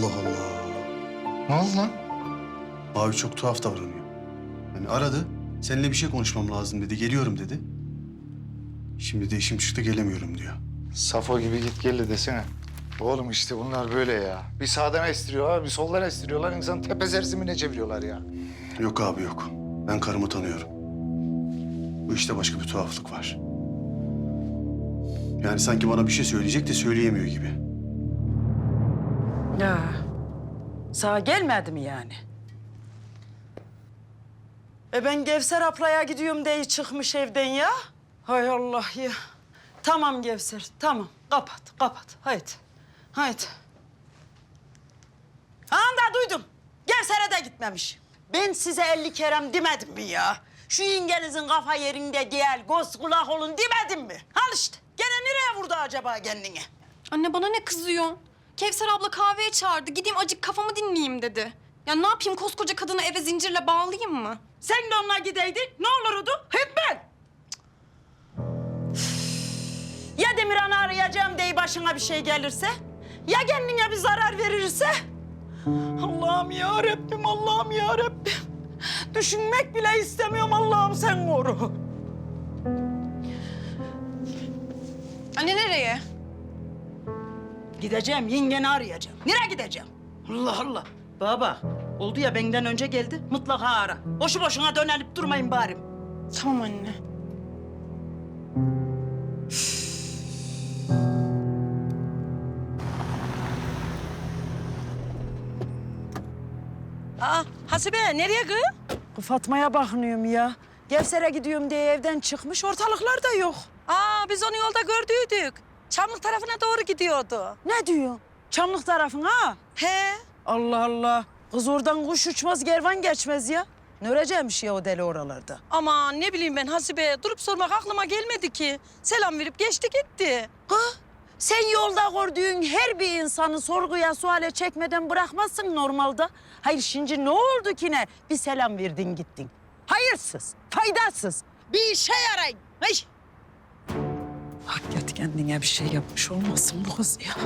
Allah Allah. Ne oldu lan? Abi çok tuhaf davranıyor. Yani aradı. Seninle bir şey konuşmam lazım dedi. Geliyorum dedi. Şimdi de işim çıktı gelemiyorum diyor. Safo gibi git gel desene. Oğlum işte bunlar böyle ya. Bir sağdan estiriyorlar, bir soldan estiriyorlar. İnsan tepe sersimine çeviriyorlar ya. Yok abi yok. Ben karımı tanıyorum. Bu işte başka bir tuhaflık var. Yani sanki bana bir şey söyleyecek de söyleyemiyor gibi. Ya, sağa gelmedi mi yani? Ben Gevser ablaya gidiyorum diye çıkmış evden ya. Hay Allah ya. Tamam Gevser, tamam. Kapat. Haydi. Anda duydum. Gevser'e de gitmemiş. Ben size 50 kere demedim mi ya? Şu yengenizin kafa yerinde değil, göz kulak olun demedim mi? Al işte. Gene nereye vurdu acaba kendini? Anne bana ne kızıyorsun? Kevser abla kahveye çağırdı. Gideyim acık kafamı dinleyeyim dedi. Ya ne yapayım koskoca kadını eve zincirle bağlayayım mı? Sen de onunla gideydin, ne olurdu? Hep ben. Ya Demirhan'ı arayacağım diye başına bir şey gelirse? Ya kendine bir zarar verirse? Allah'ım ya Rabbim, Allah'ım ya Rabbim. Düşünmek bile istemiyorum, Allah'ım sen koru. Anne nereye? Gideceğim, yengeni arayacağım. Nereye gideceğim? Allah Allah. Baba, oldu ya benden önce geldi, mutlaka ara. Boşu boşuna dönelip durmayın bari. Tamam anne. Aa, Hasibe nereye kız? Fatma'ya bakınıyorum ya. Gevser'e gidiyorum diye evden çıkmış, ortalıklarda yok. Aa, biz onu yolda gördüydük. Çamlık tarafına doğru gidiyordu. Ne diyor? Çamlık tarafına ha? He? Allah Allah. Kız oradan kuş uçmaz, kervan geçmez ya. Ne örecekmiş ya o deli oralarda? Aman ne bileyim ben Hasibe. Durup sormak aklıma gelmedi ki. Selam verip geçti gitti. Kız, sen yolda gördüğün her bir insanı sorguya suale çekmeden bırakmazsın normalde. Hayır şimdi ne oldu ki ne? Bir selam verdin gittin. Hayırsız, faydasız. Bir işe yarayın. Ay. Hakikat kendine bir şey yapmış olmasın bu kız ya.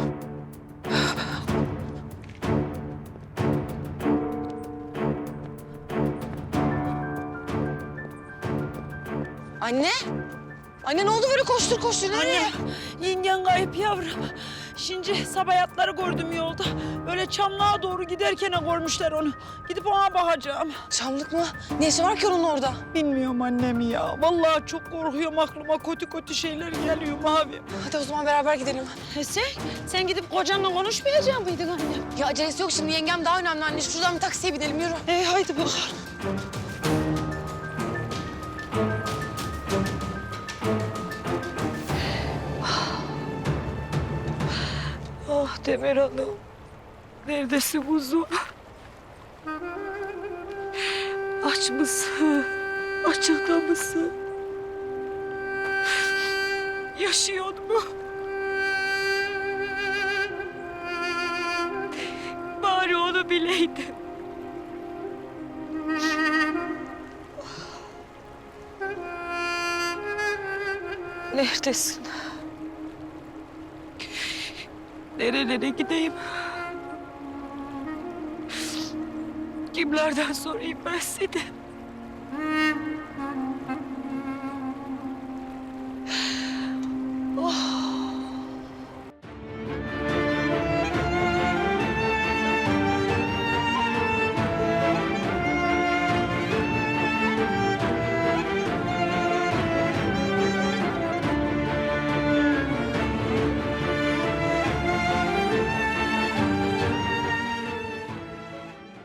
Anne? Anne ne oldu böyle koştur koştur nereye? Anne, yengen kayıp yavrum. Şimdi sabayatları gördüm yolda. Böyle Çamlığa doğru giderken görmüşler onu. Gidip ona bakacağım. Çamlık mı? Ne işi var ki onun orada? Bilmiyorum annem ya. Vallahi çok korkuyorum, aklıma kötü şeyler geliyor abi. Hadi o zaman beraber gidelim. Sen gidip kocanla konuşmayacak mıydın annem? Ya acelesi yok şimdi yengem daha önemli anne. Şuradan bir taksiye binelim yürü. Haydi bakalım. Ah Demir Hanım. Neredesin kuzum? Aç mısın? Açıkta mısın? Yaşıyor mu? Bari onu bileydim. Neredesin? Nerelere gideyim? Kimlerden sorayım ben seni?